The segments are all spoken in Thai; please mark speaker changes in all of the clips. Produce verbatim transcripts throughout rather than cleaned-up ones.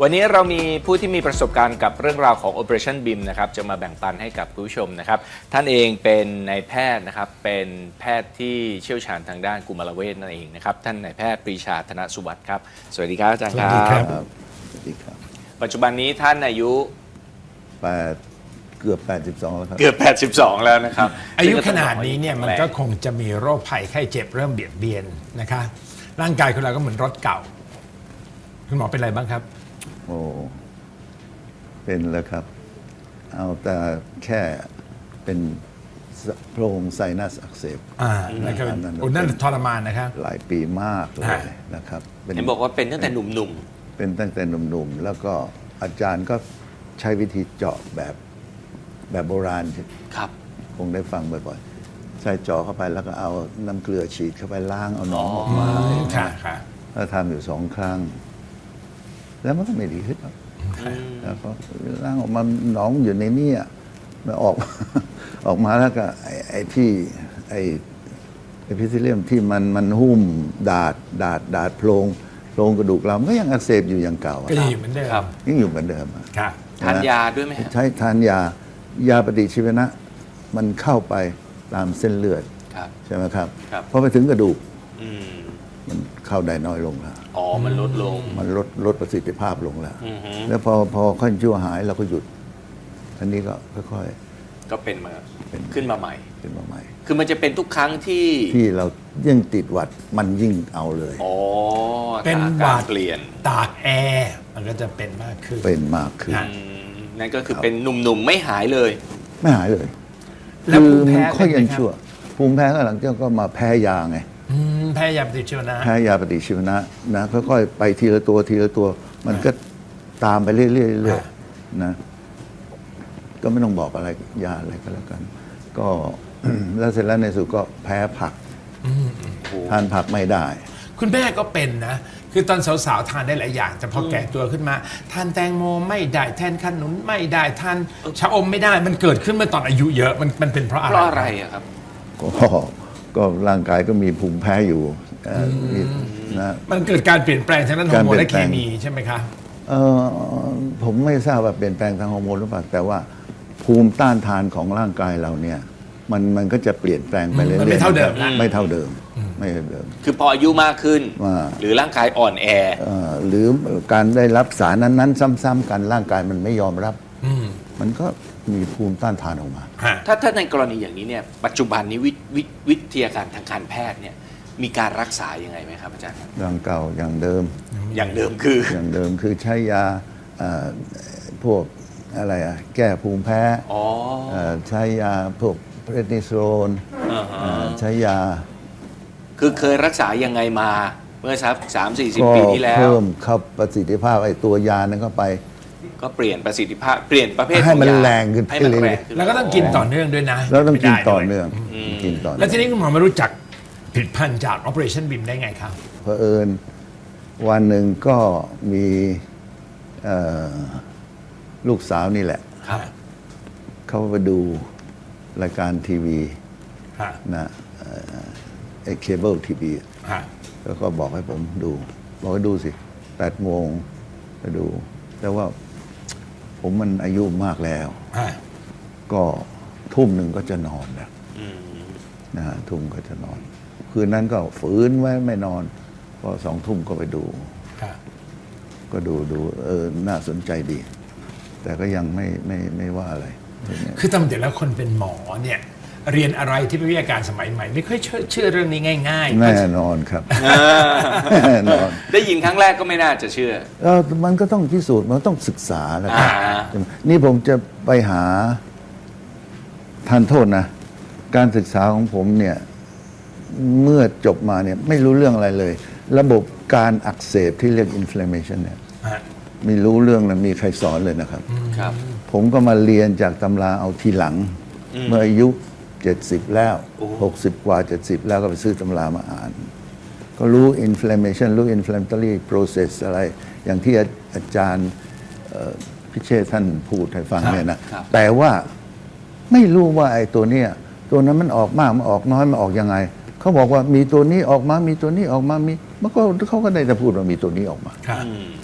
Speaker 1: วันนี้เรามีผู้ที่มีประสบการณ์กับเรื่องราวของ Operation บี เอ็ม นะครับจะมาแบ่งปันให้กับผู้ชมนะครับท่านเองเป็นนายแพทย์นะครับเป็นแพทย์ที่เชี่ยวชาญทางด้านกุมารเวชนั่นเองนะครับท่านนายแพทย์ปรีชาธนสุวัสดิ์ครับสวัสดีครับอาจารย์ครับ
Speaker 2: สวัสดีครับ
Speaker 3: สวัสดีครับ
Speaker 1: ปัจจุบันนี้ท่านอายุ
Speaker 3: แปดเกือบแปดสิบสองแล้วครับ
Speaker 1: เกือบแปดสิบสองแล้วนะครับ
Speaker 2: อายุขนาดนี้เนี่ยมันก็คงจะมีโรคภัยไข้เจ็บเริ่มเบียดเบียนนะคะร่างกายของเราก็เหมือนรถเก่าคุณหมอเป็นอะไรบ้างครับ
Speaker 3: โอ้เป็นแล้วครับ เอาแต่แค่เป็นโพรงไซนัสอักเสบ
Speaker 2: อ่าแล้วก็
Speaker 3: อันนั้น
Speaker 2: โอ้นั่นทรมานนะครับ
Speaker 3: หลายปีมากเล
Speaker 2: ฮะ
Speaker 3: ยนะครับ
Speaker 1: เห็นบอกว่าเป็นตั้งแต่หนุ่ม
Speaker 3: เป็นตั้งแต่หนุ่มๆ แล้วก็อาจารย์ก็ใช้วิธีเจาะแบบแบบโบราณ
Speaker 1: ๆครับ
Speaker 3: คงได้ฟังบ่อยๆ ใส่เจาะเข้าไปแล้วก็เอาน้ำเกลือฉีดเข้าไปล้างเอาหนองออกมา
Speaker 2: ค่ะค่ะ
Speaker 3: แล้วทำอยู่สองครั้ง แล้วมันก็ไม่ดีขึ้นหรอกแล้วก็ล้างออกมาหนองอยู่ในนี่อ่ะมันออก ออกมาแล้วก็ไอ้ไอ้ที่ไอ้ไอ้พิซิเลียมที่มันมันหุ้มดาดดาดดาดโพรงโพรงกระดูกเรามันก็ยังอักเสบอยู่อย่างเก่าอะ
Speaker 2: ก็ยังอยู่เหมือนเดิม
Speaker 1: ครับ
Speaker 3: ยังอยู่เหมือนเดิมอะ
Speaker 2: ค่ะ
Speaker 1: ทานยาด้วยไหมฮะ
Speaker 3: ใช้ทานยายาปฏิชีวนะ มันเข้าไปตามเส้นเลือด
Speaker 1: ครับ
Speaker 3: ใช่ไหมครับ
Speaker 1: ครับ
Speaker 3: พอไปถึงกระดูก
Speaker 1: อืม
Speaker 3: มันเข้าได้น้อยลงแล้ว
Speaker 1: อ๋อมันลดลง
Speaker 3: มันลดลดประสิทธิภาพลงแล้ว
Speaker 1: อือฮึ
Speaker 3: แล้วพอพอค่อยชั่วหายเราก็หยุด อันนี้ก็ค่อย
Speaker 1: ก็เป็นมา
Speaker 3: เป็น
Speaker 1: ขึ้นมาใหม่
Speaker 3: ๆเป็นมาใหม่
Speaker 1: คือมันจะเป็นทุกครั้งที่
Speaker 3: ที่เรายิ่งติดหวัดมันยิ่งเอาเลย
Speaker 1: อ๋อ
Speaker 2: เป็น
Speaker 1: อา
Speaker 2: หวั
Speaker 1: การ
Speaker 2: ด
Speaker 1: เปลี่ยน
Speaker 2: ตากแอร์มันก็จะเป็นมากขึ้น
Speaker 3: เป็นมากขึ้น
Speaker 2: ฮะ
Speaker 1: อืมนั่นก็คือเป็นหนุ่มๆไม่หายเลย
Speaker 3: ไม่หายเลย
Speaker 2: แล้ว
Speaker 3: คื
Speaker 2: ภูมิ
Speaker 3: มั
Speaker 2: แพ้
Speaker 3: ค่อย
Speaker 2: เป็น
Speaker 3: ยัง
Speaker 2: ไหมครับ
Speaker 3: ชั่ว ภูมิแพ้ก็หลังจากก็มาแพ้ยาไง
Speaker 2: อืมแพ้ยาปฏิชีวนะ
Speaker 3: แพ้ยาปฏิชีวนะนะค่อยๆไปทีละตัวทีละตัว มันก็ตามไปเรื่อยๆเรื่อยๆนะ ก็ไม่ต้องบอกอะไรยาอะไรก็แล้วกัน ก็ แล้วเสร็จแล้วในสุดก็แพ้ผักทานผักไม่ได้
Speaker 2: คุณแม่ก็เป็นนะ คือตอนสาวๆทานได้หลายอย่าง แต่พอแก่ตัวขึ้นมาทานแตงโมไม่ได้แทนขนุนไม่ได้ทานชะอมไม่ได้ มันเกิดขึ้นเมื่อตอนอายุเยอะ มันมันเป็นเพราะอะไร
Speaker 1: เพราะอะไรอะครับ
Speaker 3: ก็ก็ร่างกายก็มีภูมิแพ้อยู่เอ่อมีนะ
Speaker 2: มันเกิดการเปลี่ยนแปลงทางด้านฮอร์โมนและเคมีใช่ไหมคะ
Speaker 3: เอ่อผมไม่ทราบว่าเปลี่ยนแปลงทางฮอร์โมนหรือเปล่าแต่ว่าภูมิต้านทานของร่างกายเราเนี่ย มันมันก็จะเปลี่ยนแปลงไปเรื่อยๆ
Speaker 2: มันไม่เท่าเดิมนะ
Speaker 3: ไม่เท่าเดิมไม่เท่าเดิม
Speaker 1: คือพออายุมากขึ้น
Speaker 3: ว่า
Speaker 1: หรือร่างกายอ่อนแอ
Speaker 3: เอ่อหรือการได้รับสารนั้นๆ ซ้ำๆกันร่างกายมันไม่ยอมรับ
Speaker 2: อืม
Speaker 3: มันก็มีภูมิต้านทานออกมา
Speaker 2: ฮะ
Speaker 1: ถ้าถ้าในกรณีอย่างนี้เนี่ยปัจจุบันนี้วิวิวิทยาการทางการแพทย์เนี่ยมีการรักษายังไงไหมครับอาจารย์ครับ
Speaker 3: อย่างเก่าอย่างเดิม
Speaker 1: อย่างเดิมคือ
Speaker 3: อย่างเดิมคือใช้ยาเอ่อพวกอะไรอะแก้ภูมิแพ้
Speaker 1: อ๋อ
Speaker 3: เอ่อใช้ยาพวกเพรนิโซน
Speaker 1: อ่าฮะ
Speaker 3: เอ่อใช้ยา
Speaker 1: คือเคยรักษายังไงมาเมื่อสักสามสี่สิบ
Speaker 3: ก็
Speaker 1: ปีที่แล้ว
Speaker 3: เพิ่มเข้าประสิทธิภาพไอ้ตัวยานั้นเข้าไป
Speaker 1: ก็เปลี่ยนประสิทธิภาพเปลี่ยนประเภท
Speaker 3: ให้มัน
Speaker 1: ของยา
Speaker 3: แรงขึ้น
Speaker 1: ให้มัน
Speaker 3: เรื่อยๆ
Speaker 1: แรงขึ้น
Speaker 2: แล้วก็ต้องกินต่อเนื่องด้วยนะ
Speaker 3: แล้วต้องกิน
Speaker 2: ไม่ได้
Speaker 3: ต่อ
Speaker 2: ด้วย
Speaker 3: เนื่องกินต่อ
Speaker 2: แล้ว
Speaker 3: เนื่อง
Speaker 2: ทีนี้คุณหมอมารู้จักผลิตภัณฑ์จาก Operation บี เอ็ม ได้ไงครับ
Speaker 3: เผอิญวันหนึ่งก็มีเอ่อลูกสาวนี่แหละ
Speaker 1: ครับ
Speaker 3: เขาไปดูรายการทีวี
Speaker 2: ฮะ
Speaker 3: นะเอ่อไอ้เคเบิลทีวี
Speaker 2: ฮะ
Speaker 3: แล้วก็บอกให้ผมดู บอกให้ดูสิแปดโมงไปดู แต่ว่าผมมันอายุมากแล้ว
Speaker 2: ฮะ
Speaker 3: ก็ทุ่มหนึ่งก็จะนอนแล้ว
Speaker 1: อืม
Speaker 3: นะฮะทุ่มก็จะนอน คืนนั้นก็ฝืนไว้ไม่นอนพอสองทุ่มก็ไปดู
Speaker 2: ฮะ
Speaker 3: ก็ดูดูเออน่าสนใจดี แต่ก็ยังไม่ไม่ไม่ว่าอะไร
Speaker 2: คือตามแต่แล้วคนเป็นหมอเนี่ย เรียนอะไรที่เป็นวิทยาการสมัยใหม่ ไม่ค่อยเชื่อเชื่อเรื่องนี้ง่ายๆ
Speaker 3: แน่นอนครับแน่นอน
Speaker 1: ได้ยินครั้งแรกก็ไม่น่าจะเชื่อ
Speaker 3: เออมันก็ต้องพิสูจน์มันต้องศึกษาแล้วครับ
Speaker 1: อ่า
Speaker 3: นี่ผมจะไปหาทานโทษนะ การศึกษาของผมเนี่ย เมื่อจบมาเนี่ยไม่รู้เรื่องอะไรเลย ระบบการอักเสบที่เรียก inflammation เนี่ย
Speaker 2: ฮะ
Speaker 3: ไม่รู้เรื่องเลยมีใครสอนเลยนะครับ
Speaker 1: ครับ
Speaker 3: ผมก็มาเรียนจากตำราเอาทีหลัง
Speaker 1: อืม
Speaker 3: เมื่ออายุเจ็ดสิบแล้ว
Speaker 1: โอ้
Speaker 3: หกสิบกว่าเจ็ดสิบแล้วก็ไปซื้อตำรามาอ่าน ก็รู้ inflammation รู้ inflammatory process อะไร อย่างที่อาจารย์เอ่อพิเชษฐ์ท่านพูดให้ฟังเนี่ยนะ
Speaker 1: ครับ
Speaker 3: แต่ว่าไม่รู้ว่าไอ้ตัวเนี้ยตัวนั้นมันออกมากมันออกน้อยมันออกยังไง เขาบอกว่ามีตัวนี้ออกมา มีตัวนี้ออกมา มีมันก็เขาก็ได้แต่พูดว่ามีตัวนี้ออกมา
Speaker 2: ครับ
Speaker 1: อืม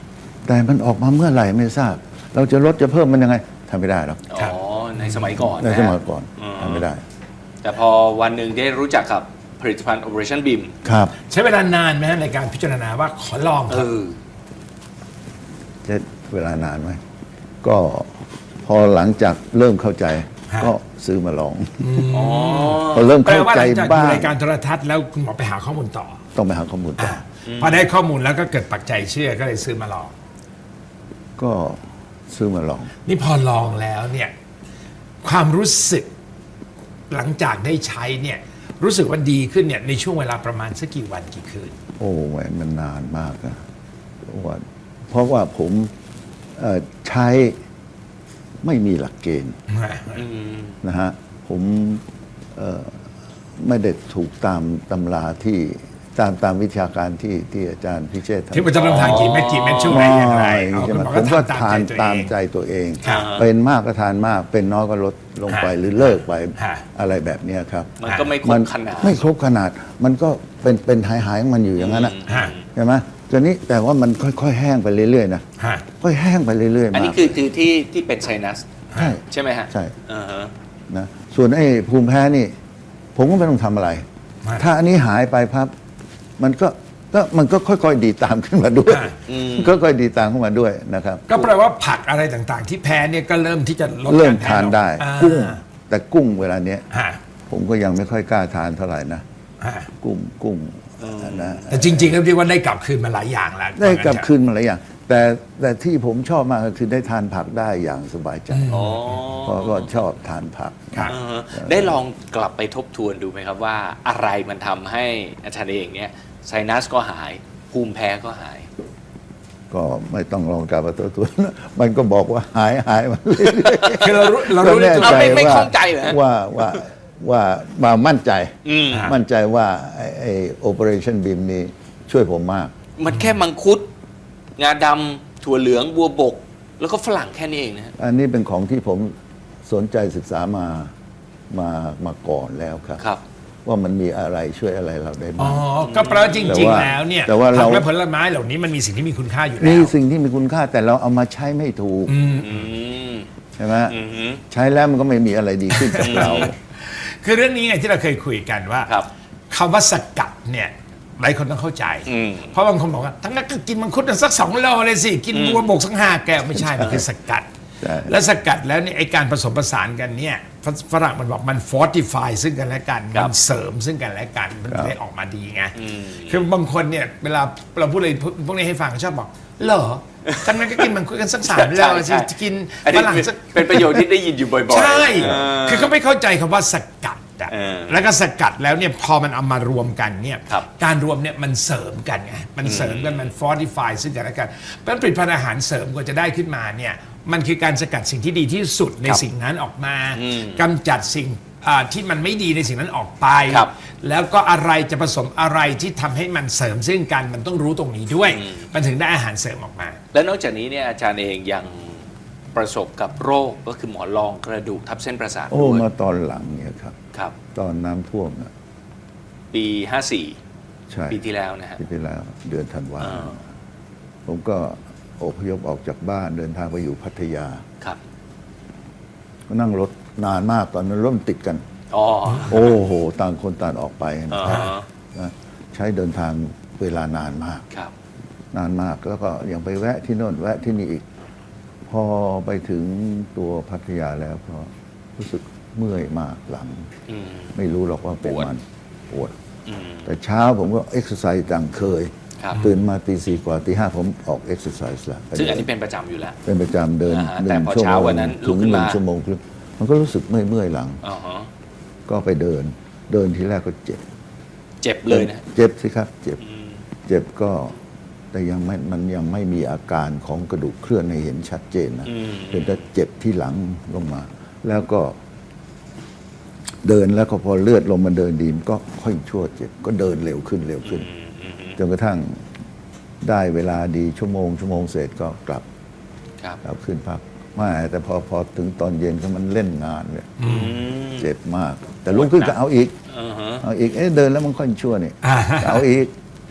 Speaker 3: แต่มันออกมาเมื่อไหร่ไม่ทราบ เราจะลดจะเพิ่มมันยังไงทำไม่ได้หรอก
Speaker 1: อ๋อในสมัยก่อน
Speaker 3: ใน
Speaker 1: นะ
Speaker 3: ส
Speaker 1: ฮะ
Speaker 3: มัยก่อน
Speaker 1: อืม
Speaker 3: ทำไม่ได้
Speaker 1: แต่พอวันหนึ่งได้รู้จักกับผลิตภัณฑ์ Operation Beam
Speaker 3: ครับ
Speaker 2: ใช้เวลานานไหมฮะในการพิจารณาว่าขอลอง
Speaker 1: เออ
Speaker 3: จะเวลานานไหมก็พอหลังจากเริ่มเข้าใจ ก็ซื้อมาลอง
Speaker 1: อ๋อ
Speaker 3: พอเริ่ม
Speaker 2: แปล
Speaker 3: เข้า
Speaker 2: ว่าห
Speaker 3: ใจ
Speaker 2: ลังจาก
Speaker 3: บ้า
Speaker 2: ดู
Speaker 3: ง
Speaker 2: รายการโทรทัศน์แล้วคุณหมอไปหาข้อมูลต่อ
Speaker 3: ต้องไปหาข้อมูลต่อ
Speaker 2: พอได้ข้อมูลแล้วก็เกิดปักใจเชื่อก็เลยซื้อมาลอง
Speaker 3: ก็ซื้อมาลอง
Speaker 2: นี่พอลองแล้วเนี่ยความรู้สึกหลังจากได้ใช้เนี่ยรู้สึกว่าดีขึ้นเนี่ยในช่วงเวลาประมาณสักกี่วันกี่คืน
Speaker 3: โอ้แหวนมันนานมากนะเพราะว่าเพราะว่าผมเอ่อใช้ไม่มีหลักเกณฑ์
Speaker 1: อืม
Speaker 3: นะฮะผมเอ่อไม่ได้ถูกตามตำราที่ตามตามวิชาการที่ที่อาจารย์พิเชษฐ์
Speaker 2: ที่มันจะต้องทานกี่เม็ดกี่เม็ดช่วงไหนอย่างไรเอา
Speaker 3: ใช่
Speaker 2: คุ
Speaker 3: ไห
Speaker 2: ณ
Speaker 3: ม
Speaker 2: หมอ
Speaker 3: ผ
Speaker 2: ก็
Speaker 3: มก็
Speaker 2: ทำ
Speaker 3: ทาน
Speaker 2: ตา
Speaker 3: ตาม ม
Speaker 2: ใจ
Speaker 3: ใจ
Speaker 2: ตัวเอง
Speaker 3: ตัวเอง
Speaker 2: ครับ
Speaker 3: เป็นมากก็ทานมาก เป็นน้อยก็ลดลงไป
Speaker 2: ฮะ
Speaker 3: หรือเลิกไป
Speaker 2: ฮะ
Speaker 3: อะไรแบบเนี้ยครับ
Speaker 1: มันก็ไม่คร
Speaker 3: มั
Speaker 1: บขนาด
Speaker 3: ไม่ครบขนาด มันก็เป็นเป็นหายหายๆของมันอยู่อย่างนั้นนะ
Speaker 2: ฮะ
Speaker 3: ใช่ไหมตอนนี้แต่ว่ามันค่อยๆแห้งไปเรื่อยๆนะ
Speaker 2: ฮะ
Speaker 3: ค่อยแห้งไปเรื่อยๆ
Speaker 1: อัน
Speaker 3: มา
Speaker 1: นี้คือคือที่ที่เป็นไซนัส
Speaker 3: ใช่
Speaker 1: ใช่ไหมฮะ
Speaker 3: ใช่
Speaker 1: อ่าฮะ
Speaker 3: นะส่วนไอ้ภูมิแพ้นี่ ผมก็ไม่ต้องทำอะไร
Speaker 2: ฮะ
Speaker 3: ถ้าอันนี้หายไปพับมันก็ก็มันก็ค่อยๆดีตามขึ้นมาด้วย
Speaker 2: ฮะ
Speaker 3: ก็ค่อยๆดีตามขึ้นมาด้วยนะครับ
Speaker 2: ก็แปลว่าผักอะไรต่างๆ ที่แพ้เนี่ยก็เริ่มที่จะลด
Speaker 3: เริ่ม
Speaker 2: กแพ้
Speaker 3: ทานได้
Speaker 2: ลง
Speaker 3: กุ้ง
Speaker 2: อ่า
Speaker 3: แต่กุ้งเวลาเนี้ย
Speaker 2: ฮะ
Speaker 3: ผมก็ยังไม่ค่อยกล้าทานเท่าไหร่นะ
Speaker 2: ฮะ
Speaker 3: กุ้งกุ้งนะ
Speaker 2: แต่จริงๆก็เรียกว่าได้กลับคืนมาหลายอย่างแล้ว
Speaker 3: ได้กลับคืนมาหลายอย่างแต่แต่ที่ผมชอบมากก็คือได้ทานผักได้อย่างสบายใจ
Speaker 1: อ๋อ
Speaker 3: เพราะก็ชอบทานผัก
Speaker 2: ครับ
Speaker 1: อ่าฮะได้ลองกลับไปทบทวนดูไหมครับว่าอะไรมันทำให้อาจารย์เองเนี่ยไซนัสก็หาย ภูมิแพ้ก็หาย
Speaker 3: ก็ไม่ต้องลองกลับมาตัวตัวนะมันก็บอกว่าหายหายมาเรื่อย
Speaker 2: คือเรารู้เรา
Speaker 3: ๆก็
Speaker 2: รู้ใน
Speaker 3: แน่
Speaker 2: ตัว
Speaker 3: ใจ
Speaker 1: ไม่ไม่
Speaker 3: ว่า
Speaker 1: ข้องใจเหรอฮะ
Speaker 3: ว่าว่าว่ามามั่นใจ
Speaker 1: อืม
Speaker 3: มั่นใจว่าไอ้ไอ้ Operation Beam นี้ช่วยผมมาก
Speaker 1: มันแค่มังคุด งาดำถั่วเหลืองบัวบก แล้วก็ฝรั่งแค่นี้เองนะฮะ
Speaker 3: อันนี้เป็นของที่ผมสนใจศึกษามามามาก่อนแล้วครับ
Speaker 1: ครับ
Speaker 3: ว่ามันมีอะไรช่วยอะไรเราได้
Speaker 2: อ๋
Speaker 3: บ้า
Speaker 2: อ
Speaker 3: ง
Speaker 2: ก็แปลว่าจ
Speaker 3: แต่
Speaker 2: ริง
Speaker 3: ว่า
Speaker 2: ๆ แล้วเนี่ย
Speaker 3: แต่ว่าเรา
Speaker 2: ผักและผลไม้เหล่านี้มันมีสิ่งที่มีคุณค่าอยู่แล้
Speaker 3: นี่
Speaker 2: ว
Speaker 3: สิ่งที่มีคุณค่าแต่เราเอามาใช้ไม่ถูก
Speaker 2: อืม
Speaker 1: อืม
Speaker 3: ใช่ไหม
Speaker 1: อืมฮึ
Speaker 3: ใช้แล้วมันก็ไม่มีอะไรดีขึ้นกับเรา
Speaker 2: คือเรื่องนี้ไงที่เราเคยคุยกันว่า
Speaker 1: ครับ
Speaker 2: คำว่าสกัดเนี่ยหลายคนต้องเข้าใจ
Speaker 1: อืม
Speaker 2: เพราะบางคนบอกว่าทั้งนั้นก็กินมังคุดสักสองโลเลยสิ กินบัวบกสักห้าแก้วไม่ใช่ มันคือสกัด
Speaker 3: ใช่
Speaker 2: และสกัดแล้วเนี่ยไอการผสมผสานกันเนี่ยฝฝรั่งมันบอกมัน fortify ซึ่งกันและกัน
Speaker 1: ครั
Speaker 2: มั
Speaker 1: บ
Speaker 2: นเสริมซึ่งกันและกัน มัน
Speaker 3: ครับ
Speaker 2: ได้ออกมาดีไง
Speaker 1: อืม
Speaker 2: คือบางคนเนี่ยเวลาเราพูดอะไรพวกนี้ให้ฟังชอบบอกเหรอทั้งนั้นก็กินมังคุดกันสักสามโลสิจะกิน
Speaker 1: อัน
Speaker 2: ฝ
Speaker 1: นี้
Speaker 2: รั่ง
Speaker 1: เป็น
Speaker 2: สัก
Speaker 1: เป็นประโยชน์ที่ได้ยินอยู่บ่อยๆ
Speaker 2: ใช่
Speaker 1: เออ
Speaker 2: คือเขาไม่เข้าใจคำว่าสกัดอะ
Speaker 1: เออ
Speaker 2: แล้วก็สกัดแล้วเนี่ยพอมันเอามารวมกันเนี่ย
Speaker 1: ครับ
Speaker 2: การรวมเนี่ยมันเสริมกันไง มันเสริมกัน มันฟอร์ติฟายซึ่งกันและกัน เพราะฉะนั้นผลิตภัณฑ์อาหารเสริมกว่าจะได้ขึ้นมาเนี่ย มันคือการสกัดสิ่งที่ดีที่สุดใน
Speaker 1: ครับ
Speaker 2: สิ่งนั้นออกมา
Speaker 1: อืม
Speaker 2: กำจัดสิ่งอ่าที่มันไม่ดีในสิ่งนั้นออกไป
Speaker 1: ครับ
Speaker 2: แล้วก็อะไรจะผสมอะไรที่ทำให้มันเสริมซึ่งกัน มันต้องรู้ตรงนี้ด้วย มันถึงได้อาหารเสริมออกมา
Speaker 1: และนอกจากนี้เนี่ยอาจารย์เองยังประสบกับโรคก็คือหมอนรองกระดูกทับเส้นประสาท
Speaker 3: โอ้
Speaker 1: ด้วย
Speaker 3: มาตอนหลังเนี่ยครับ
Speaker 1: ครับ
Speaker 3: ตอนน้ำท่วมนะ
Speaker 1: ปีห้าสี่
Speaker 3: ใช่
Speaker 1: ปีที่แล้วนะฮะ
Speaker 3: ปีที่แล้วเดือนธันวา
Speaker 1: อ่า
Speaker 3: ผมก็อพยพออกจากบ้านเดินทางไปอยู่พัทยา
Speaker 1: ครับ
Speaker 3: ก็นั่งรถนานมากตอนนั้นรถมันติดกัน
Speaker 1: อ๋อ
Speaker 3: โอ้โหต่างคนต่างออกไปนะ
Speaker 1: อ่า
Speaker 3: ครับ
Speaker 1: ฮะ
Speaker 3: นะใช้เดินทางเวลานานมาก
Speaker 1: ครับ
Speaker 3: นานมากแล้วก็ยังไปแวะที่โน่นแวะที่นี่อีก พอไปถึงตัวพัทยาแล้วก็รู้สึกเมื่อยมากหลัง
Speaker 1: อืม
Speaker 3: ไม่รู้หรอกว่าเป็น
Speaker 1: ปวด
Speaker 3: มันปวด
Speaker 1: อืม
Speaker 3: แต่เช้าผมก็เอ็กซ์ไซส์ดังเคย
Speaker 1: ครับ
Speaker 3: ตื่นมาตีสี่กว่าตีห้าผมออกเอ็กซ์ไซส์แล้ว
Speaker 1: ซึ่งอันนี้เป็นประจำอยู่แล้ว
Speaker 3: เป็นประจำเดิน
Speaker 1: อ่าฮะ
Speaker 3: ห
Speaker 1: แต่
Speaker 3: นึ่ง
Speaker 1: พอ
Speaker 3: ชั่ว
Speaker 1: เช้า
Speaker 3: โมง
Speaker 1: วันนั้นลุ
Speaker 3: ถึ
Speaker 1: ก
Speaker 3: ง
Speaker 1: ขึ้น
Speaker 3: หนึ่
Speaker 1: มา
Speaker 3: งชั่วโมงครึ่งมันก็รู้สึกเมื่อยเมื่อยๆหลัง
Speaker 1: อ๋อฮะ
Speaker 3: ก็ไปเดิน เดินทีแรกก็เจ็บ
Speaker 1: เจ็บเลยนะ
Speaker 3: เจ็บสิครับ เจ็บ
Speaker 1: อืม
Speaker 3: เจ็บก็แต่ยังไม่มันยังไม่มีอาการของกระดูกเคลื่อนให้เห็นชัดเจนนะ
Speaker 1: อืม
Speaker 3: เป็นแต่เจ็บที่หลังลงมา แล้วก็ เดินแล้วก็พอเลือดลงมาเดินดีมนก็ค่อยชั่วเจ็บ ก็เดินเร็วขึ้นเร็วขึ้น
Speaker 1: อืมอืมอืม
Speaker 3: จนกระทั่งได้เวลาดีชั่วโมง ชั่วโมงเสร็จก็กลับ
Speaker 1: ครับ
Speaker 3: กลับขึ้นพักไม่แต่พอพอถึงตอนเย็นก็มันเล่นงานเลย
Speaker 1: อืม
Speaker 3: เจ็บมาก แต่ลุกขึ้นก็เอาอีก
Speaker 1: อ่าฮะ
Speaker 3: เอาอีกเอ๊ะเดินแล้วมันค่อยชั่วนี่
Speaker 2: อ่า
Speaker 3: เอาอีก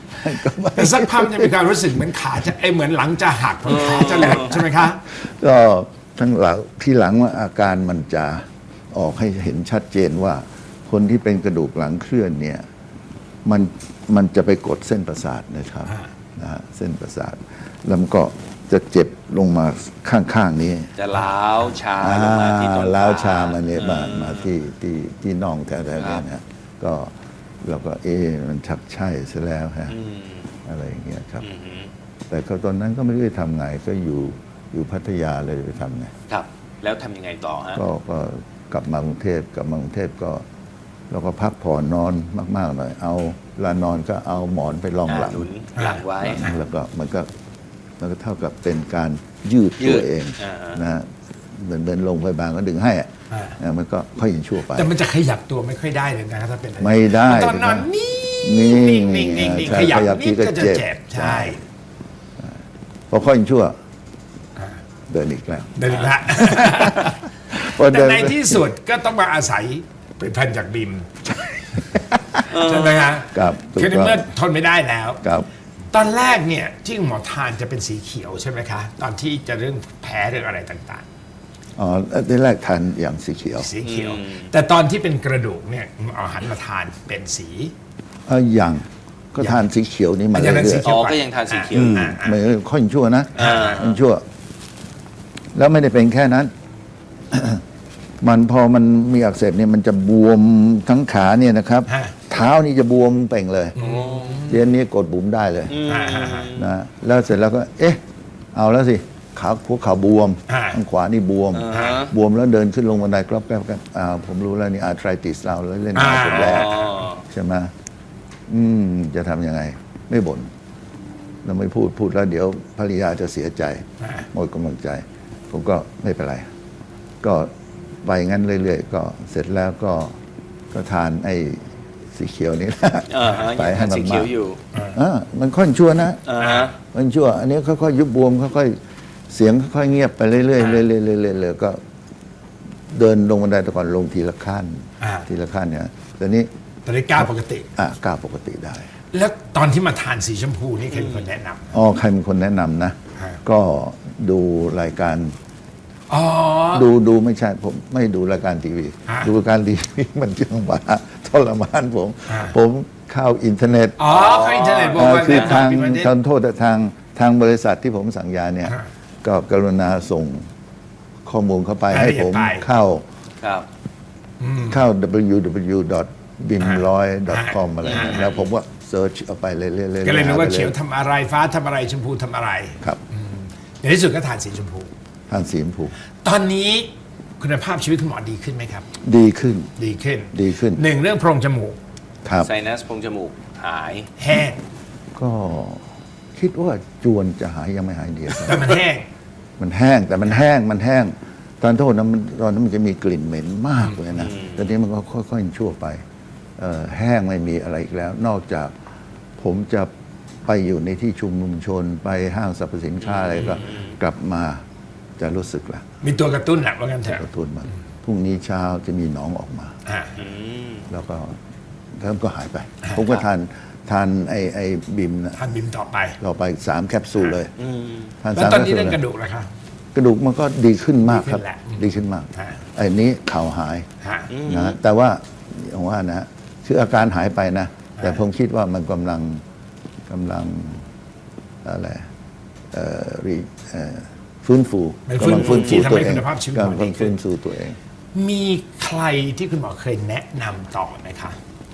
Speaker 3: ก็ไม่
Speaker 2: แต่สักพักจะมีความรู้สึกเหมือนขาจะไอเหมือนหลังจะหักเหมือนขาจะหลุดใช่ไหมคะ
Speaker 3: ก็ทั้งหลังที่หลังว่าอาการมันจะออกให้เห็นชัดเจนว่า คนที่เป็นกระดูกหลังเคลื่อนเนี่ยมันมันจะไปกดเส้นประสาทนะครับ
Speaker 2: อ่า
Speaker 3: นะฮะเส้นประสาทแล้วมันก็จะเจ็บลงมาข้างๆนี้
Speaker 1: จะล้าวชาลงมาที่ต้นขา
Speaker 3: ล้าวชามาเนี่ยมา
Speaker 1: อื
Speaker 3: มาที่ที่ที่น่องแถวๆ
Speaker 1: ครั
Speaker 3: นี้
Speaker 1: บ
Speaker 3: นะก็เราก็เอ๊ะมันชักใช่ซะแล้วฮะ
Speaker 1: อืม
Speaker 3: อะไรอย่างเงี้ยครับ
Speaker 1: อืม
Speaker 3: แต่ก็ตอนนั้นก็ไม่รู้จะทำไงก็อยู่อยู่พัทยาเลยไปทำไง
Speaker 1: ครับ แล้วทำยังไงต่อฮะ
Speaker 3: ก็ก็กลับมากรุงเทพกลับมากรุงเทพก็เราก็พักผ่อนนอนมากๆหน่อย เอาเวลานอนก็เอาหมอนไปรองหลัง
Speaker 1: หนุนหลังไว้
Speaker 3: แล้วก็มันก็มันก็เท่ากับเป็นการยืด
Speaker 1: ยื
Speaker 3: ตัว
Speaker 1: ด
Speaker 3: เอง
Speaker 1: อ่าฮะ
Speaker 3: นะฮะเหมือนเป็นโรงพยาบาลก็ดึงให้อะ
Speaker 2: อ่า
Speaker 3: นะมันก็ค่อยยินชั่วไป
Speaker 2: แต่มันจะขยับตัวไม่ค่อยได้เลยนะครับถ้าเป็นอะร
Speaker 3: ไม่ได้
Speaker 2: ตอนนอนนิ่
Speaker 3: นิ่
Speaker 2: ง
Speaker 3: ง
Speaker 2: นิ่งนิ่งนิ่ง
Speaker 3: ใช่
Speaker 2: ขยับ
Speaker 3: ขยับ
Speaker 2: นิด
Speaker 3: ทีก็
Speaker 2: ก็จะ
Speaker 3: เจ็บ
Speaker 2: เจ็บ
Speaker 3: ใช่
Speaker 2: ใช่
Speaker 3: พอค่อยยินชั่ว
Speaker 2: อ่า
Speaker 3: เดินอีกแล้ว
Speaker 2: เดินอีกละ
Speaker 3: พอ
Speaker 2: แต่
Speaker 3: เดิน
Speaker 2: ในที่สุดก็ต้องมาอาศัยผลิตภัณฑ์จากบิมใช่ไหมฮะ
Speaker 3: กับถูก
Speaker 2: คือใน
Speaker 3: ต้อง
Speaker 2: เมื่อทนไม่ได้แล้ว
Speaker 3: กับ
Speaker 2: ตอนแรกเนี่ยที่หมอทานจะเป็นสีเขียวใช่ไหมคะ ตอนที่จะเรื่องแพ้เรื่องอะไรต่าง
Speaker 3: อ๋อที่แรกทานอย่างสีเขียว
Speaker 2: ๆ สีเขียว
Speaker 1: อืม
Speaker 2: แต่ตอนที่เป็นกระดูกเนี่ยเอาหันมาทานเป็นสี
Speaker 3: เอออย่างก็ทานสีเขียวนี่มา
Speaker 2: อย่างนั้น
Speaker 3: เรื่
Speaker 2: สี
Speaker 3: อย
Speaker 2: เขี
Speaker 1: อ๋
Speaker 2: ยว
Speaker 1: อก็ยังทานสีเขียว
Speaker 3: ๆ
Speaker 1: อยู่
Speaker 3: ไม่ค่อยชั่วนะ
Speaker 1: อ่า
Speaker 3: ค่อยชั่ว แล้วไม่ได้เป็นแค่นั้น มันพอมันมีอักเสบเนี่ยมันจะบวมทั้งขาเนี่ยนะครับ
Speaker 2: ฮะ
Speaker 3: เท้านี่จะบวมเป่งเลยเดี๋ยวนี้กดบุ๋มได้เลย
Speaker 1: อืม
Speaker 2: อ่าฮะฮะ
Speaker 3: นะแล้วเสร็จแล้วก็ เอ๊ะ เอาแล้วสิขาหัวเข่าบวม
Speaker 2: อ่า
Speaker 3: ข้างขวานี่บวม
Speaker 1: อ่าฮะ
Speaker 3: บวมแล้วเดินขึ้นลงบันไดกรอบแกรบแกรบอ่าผมรู้แล้วนี่อาร์ไทรติสเราแล้วเล่นงานผมแล้ว
Speaker 1: อ๋อ
Speaker 3: ใช่ไหมอืม จะทำยังไง ไม่บ่นเราไม่พูดพูดแล้วเดี๋ยวภรรยาจะเสียใจ
Speaker 2: อ่า
Speaker 3: หมดกำลังใจ ผมก็ไม่เป็นไร ก็ไปงั้นเรื่อยๆ ก็เสร็จแล้วก็ก็ทานไอ้สีเขียวนี่
Speaker 1: อ่าฮะ
Speaker 3: ไป
Speaker 1: ยัง
Speaker 3: ให้
Speaker 1: ทาน
Speaker 3: มัน
Speaker 1: สีเขี
Speaker 3: มา
Speaker 1: ยวอยู่
Speaker 3: อ่ามันค่อยชั่วนะ
Speaker 1: อ่าฮะ
Speaker 3: มันชั่ว อันนี้ค่อยๆยุบบวมค่อยๆเสียงค่อยๆเงียบไปเรื่อยๆเรื่อยๆเรื่อยๆเรื่อยๆก็ เดินลงบันไดแต่ก่อนลงทีละขั้น
Speaker 2: อ่า
Speaker 3: ทีละขั้นเนี่ยตอนนี้
Speaker 2: ตอนนี้ก้าวปกติ
Speaker 3: อ่ะก้าวปกติได้
Speaker 2: แล้วตอนที่มาทานสีชมพูนี่ใครเป็นคนแนะนำ
Speaker 3: อ๋อใครเป็นคนแนะนำนะ
Speaker 2: ฮะ
Speaker 3: ก็ดูรายการ
Speaker 2: อ๋อ
Speaker 3: ดูดูไม่ใช่ผมไม่ดูรายการทีวี
Speaker 2: ฮะ
Speaker 3: ดูรายการทีวีมันจังหวะทรมานผม
Speaker 2: ฮะ
Speaker 3: ผมเข้าอินเทอร์เน็ต
Speaker 2: อ๋อเขาอินเทอร์เน็ตบอก
Speaker 3: เอ่อ
Speaker 2: ว่า
Speaker 3: คือ
Speaker 2: แนะ
Speaker 3: ทาง
Speaker 2: นำเป็นประเด็น
Speaker 3: ทางโทษทางทางบริษัทที่ผมสั่งยาเนี่ย
Speaker 2: ฮะ
Speaker 3: ก็กรุณาส่งข้อมูลเข้าไป
Speaker 2: ราย
Speaker 3: ให้
Speaker 2: ละเอียด
Speaker 3: ผม
Speaker 2: ไป
Speaker 3: เข้า
Speaker 1: ครับ
Speaker 3: เข้า ดับเบิลยู ดับเบิลยู ดอท บิม หนึ่งร้อย ดอท คอม อะไร
Speaker 2: ฮะ
Speaker 3: นะแล้วผมก็เซิร์ชเอาไปเรื่อยๆเรื่อยๆ
Speaker 2: ก็เลยรู้ว่า
Speaker 3: หไป
Speaker 2: เขียวทำอะไรฟ้าทำอะไรชมพูทำอะไร
Speaker 3: ครับ
Speaker 2: ในที่สุดก็ทานสีชมพู
Speaker 3: ทานสีชมพู
Speaker 2: ตอนนี้คุณภาพชีวิตคุณหมอดีขึ้นไหมครับ
Speaker 3: ดีขึ้น
Speaker 2: ดีขึ้น
Speaker 3: ดีขึ้น
Speaker 2: หนึ่งเรื่องโพรงจมูก
Speaker 3: ครับ
Speaker 1: ไซนัสโพรงจมูกหาย
Speaker 2: แห้ง
Speaker 3: ก็คิดว่าจวนจะหายยังไม่หายเดียว
Speaker 2: แต่มันแห้ง
Speaker 3: มันแห้งแต่มันแห้งมันแห้ง ตอนโทษนะมันตอนนั้นมันจะมีกลิ่นเหม็นมากเลยนะตอนนี้มันก็ค่อยๆชั่วไปเอ่อแห้งไม่มีอะไรอีกแล้ว นอกจากผมจะไปอยู่ในที่ชุมนุมชน ไปห้างสรรพสินค้าอะไรก็กลับมาจะรู้สึกละ
Speaker 2: มีตัวกระตุ้นแหละว่างั้นเถ
Speaker 3: ก
Speaker 2: อะ
Speaker 3: ระตุ้นมาพรุ่งนี้เช้าจะมีหนองออกมา
Speaker 2: อ่า
Speaker 1: อืม
Speaker 3: แล้วก็แล้วก็หายไป ผมก็ทานทานไอไอบิมนะ
Speaker 2: ทานบิมต่อไป
Speaker 3: ต่อไปสามแคปซูลเลย
Speaker 1: อืม
Speaker 3: ทาน
Speaker 2: แล้ว
Speaker 3: สาม
Speaker 2: ตอน
Speaker 3: แคป
Speaker 2: นี้
Speaker 3: ซูล
Speaker 2: เรื่อง
Speaker 3: เลย
Speaker 2: กระดูกแล้วครับ
Speaker 3: กระดูกมันก็ดีขึ้นมากครับ
Speaker 2: ดีขึ้นแหละ
Speaker 3: ดีขึ้นมาก
Speaker 2: ฮะ
Speaker 3: ไอ้นี้เข่าหาย
Speaker 2: ฮะ
Speaker 3: นะแต่ว่าอย่างว่านะคืออาการหายไปนะ แต่ผมคิดว่ามันกำลังกำลังอะไรเอ่อรีเอ่อฟื้นฟู
Speaker 2: มันฟื้น
Speaker 3: กำลังฟื้นฟู
Speaker 2: ที่ทำ
Speaker 3: ตัว
Speaker 2: ให้
Speaker 3: เอง
Speaker 2: คุณภาพชีวิต
Speaker 3: กำ
Speaker 2: ของเราดี
Speaker 3: ลัง
Speaker 2: ขึ้
Speaker 3: ฟื้
Speaker 2: น
Speaker 3: นฟูตัวเอง
Speaker 2: มีใครที่คุณหมอเคยแนะนำต่อไหมคะ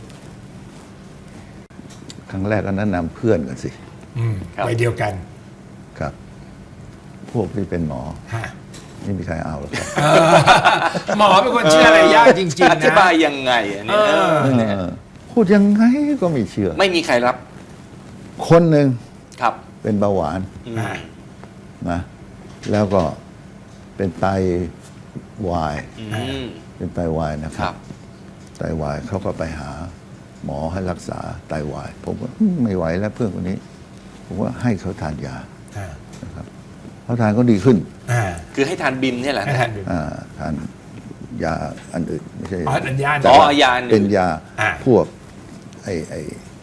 Speaker 3: ครั้งแรกก็แนะนำเพื่อนกันสิ
Speaker 2: อืม
Speaker 1: ครับ
Speaker 2: ไปเดียวกัน
Speaker 3: ครับ พวกที่เป็นหมอ
Speaker 2: ฮะ
Speaker 3: ไม่มีใครเอาหรอกครับ
Speaker 2: หมอเป็นคนเชื่ออะไรยากจริง
Speaker 1: จะ
Speaker 2: ๆ
Speaker 1: อธิ
Speaker 2: นะ
Speaker 1: บายยังไงอันนี้
Speaker 2: เออ
Speaker 1: เออเนี่ย
Speaker 3: เออพูดยังไงก็ไม่เชื่อ
Speaker 1: ไม่มีใครรับ
Speaker 3: คนหนึ่ง
Speaker 1: ครับ
Speaker 3: เป็นเบาหวาน
Speaker 1: อืม
Speaker 2: อ่า
Speaker 3: นะแล้วก็เป็นไตวาย
Speaker 1: อืม
Speaker 3: เป็นไตวายนะค
Speaker 1: ค
Speaker 3: รั
Speaker 1: รับ บ
Speaker 3: ไตวายเขาก็ไปหาหมอให้รักษาไตวาย ผมก็อืมไม่ไหวแล้วเพื่อนคนนี้ ผมว่าให้เขาทานยา
Speaker 2: อ่า
Speaker 3: นะครับเขาทานก็ดีขึ้น
Speaker 2: อ่า
Speaker 1: คือให้ทานบิมเนี่ยแหละ
Speaker 2: ให้ทานบิม
Speaker 3: อ่าทานยาอันอื่นไม่ใช่
Speaker 2: อ๋ออันยา
Speaker 3: แต่
Speaker 1: อ๋อ
Speaker 3: ว่
Speaker 1: ยาอันอื่น
Speaker 3: เป็นยา
Speaker 2: อ่า
Speaker 3: พวกไอไอ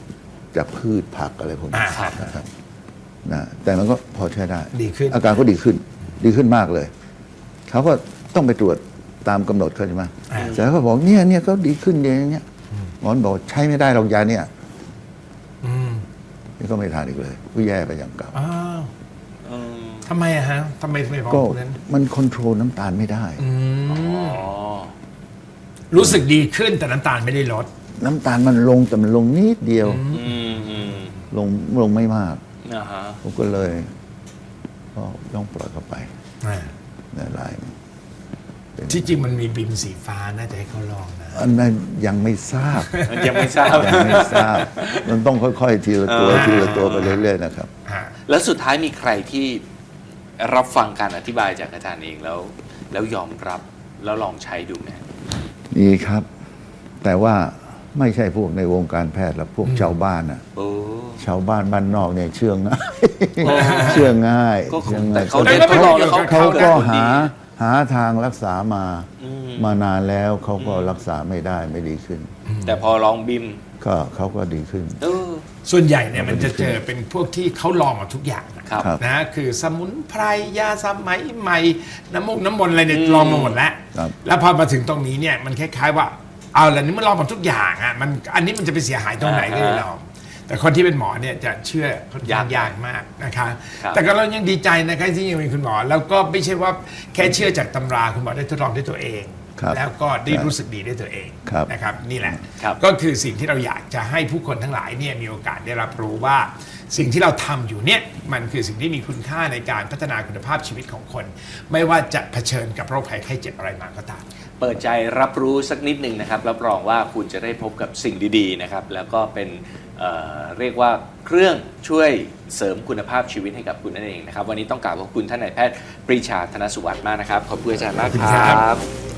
Speaker 3: จากพืชผักอะไรพวกนี้
Speaker 2: อ่า
Speaker 3: นะครับนะแต่มันก็พอใช้ได้
Speaker 2: ดีขึ้น
Speaker 3: อาการก็ดีขึ้นดีขึ้นมากเลยเขาก็ต้องไปตรวจตามกำหนดเขาใช่ไหม
Speaker 2: อ่า
Speaker 3: แต่เขาบอกเนี่ยเนี่ยเขาดีขึ้นอย่างเงี้ยหมอบอกใช้ไม่ได้หรอกยาเนี่ย
Speaker 2: อืม
Speaker 3: นี่ก็ไม่ทานอีกเลยก็แย่ไปอย่างเก่า
Speaker 2: อ้าว
Speaker 1: อืม
Speaker 2: ทำไมอะฮะทำไมทำไมบอก
Speaker 3: ก็
Speaker 2: นั้น
Speaker 3: มันคอนโทรลน้ำตาลไม่ได้
Speaker 2: อืม
Speaker 1: อ๋อ
Speaker 2: รู้สึกดีขึ้นแต่น้ำตาลไม่ได้ลด
Speaker 3: น้ำตาลมันลงแต่มันลงนิดเดียว
Speaker 1: อืมอืม
Speaker 3: ลงลงไม่มาก
Speaker 1: อ่าฮะ
Speaker 3: ผมก็เลยก็ต้องปล่อยเข้าไป
Speaker 2: อ่า
Speaker 3: ในไลน์
Speaker 2: ที่จริงมันมีบิมสีฟ้าน่าจะให้เขาลองนะ
Speaker 3: อันนั้นยังไม่ทราบ
Speaker 1: ยังไม่ทราบ
Speaker 3: ยังไม่ทราบ มันต้องค่อยๆทีละตัว
Speaker 1: อ่า
Speaker 3: ทีละตัวไปเรื่อยๆนะครับ
Speaker 2: ฮะ
Speaker 1: แล้วสุดท้ายมีใครที่รับฟังการอธิบายจากอาจารย์เองแล้ว แล้วยอมรับแล้วลองใช้ดูไหม
Speaker 3: นี่ครับ แต่ว่าไม่ใช่พวกในวงการแพทย์หรอกพวกชาวบ้านน่ะ
Speaker 1: โอ้
Speaker 3: ชาวบ้านบ้านนอกเนี่ยเชื่อง่าย
Speaker 1: โอ้
Speaker 3: เชื่อง่าย
Speaker 1: ก็
Speaker 3: เชื่อ
Speaker 1: แต่
Speaker 3: ง่าย
Speaker 1: เขาได้ทดลองแล้วเขา
Speaker 3: เขาก็
Speaker 1: ได้ผลดี
Speaker 3: หาหาทางรักษามา
Speaker 1: อืม
Speaker 3: มานานแล้วเขาก็รักษาไม่ได้ไม่ดีขึ้น
Speaker 1: แต่พอลองบิม
Speaker 3: ก็เขาก็ดีขึ้น
Speaker 1: เออ
Speaker 2: ส่วนใหญ่เนี่ยมันจะเจอเป็นพวกที่เขาลองมาทุกอย่างนะครับ
Speaker 3: ครับ
Speaker 2: นะคือสมุนไพรยาสมัยใหม่น้ำมูกน้ำมนต์อะไรเนี่ยลองมาหมดแล้ว
Speaker 3: ครับ
Speaker 2: แล้วพอมาถึงตรงนี้เนี่ยมันคล้ายๆว่าเอาแล้วนี่มันลองมาทุกอย่างอ่ะมันอันนี้มันจะไปเสียหายตรงไหนก็เลยลอง แต่คนที่เป็นหมอเนี่ยจะเชื่อค่อนข้างยากมากนะคะ
Speaker 1: ครับ
Speaker 2: แต่ก็เรายังดีใจนะคะที่ยังมีคุณหมอ แล้วก็ไม่ใช่ว่าแค่เชื่อจากตำราคุณหมอได้ทดลองด้วยตัวเอง
Speaker 3: ครับ
Speaker 2: แล้วก็ได้รู้สึกดีด้วยตัวเอง
Speaker 3: ครับ
Speaker 2: นะครับนี่แหละ
Speaker 1: ครับ
Speaker 2: ก็คือสิ่งที่เราอยากจะให้ผู้คนทั้งหลายเนี่ยมีโอกาสได้รับรู้ว่า สิ่งที่เราทำอยู่เนี่ยมันคือสิ่งที่มีคุณค่าในการพัฒนาคุณภาพชีวิตของคน ไม่ว่าจะเผชิญกับโรคภัยไข้เจ็บอะไรมาก็ตาม
Speaker 1: เปิดใจรับรู้สักนิดหนึ่งนะครับรับรองว่าคุณจะได้พบกับสิ่งดีๆนะครับแล้วก็เป็นเอ่อเรียกว่าเครื่องช่วยเสริมคุณภาพชีวิตให้กับคุณนั่นเองนะครับวันนี้ต้องกราบขอบคุณท่านนายแพทย์ปรีชาธนสุวัสดิ์มากนะครับขอบคุณอาจารย์มากค
Speaker 2: ขอบคุณครั
Speaker 1: รับ บ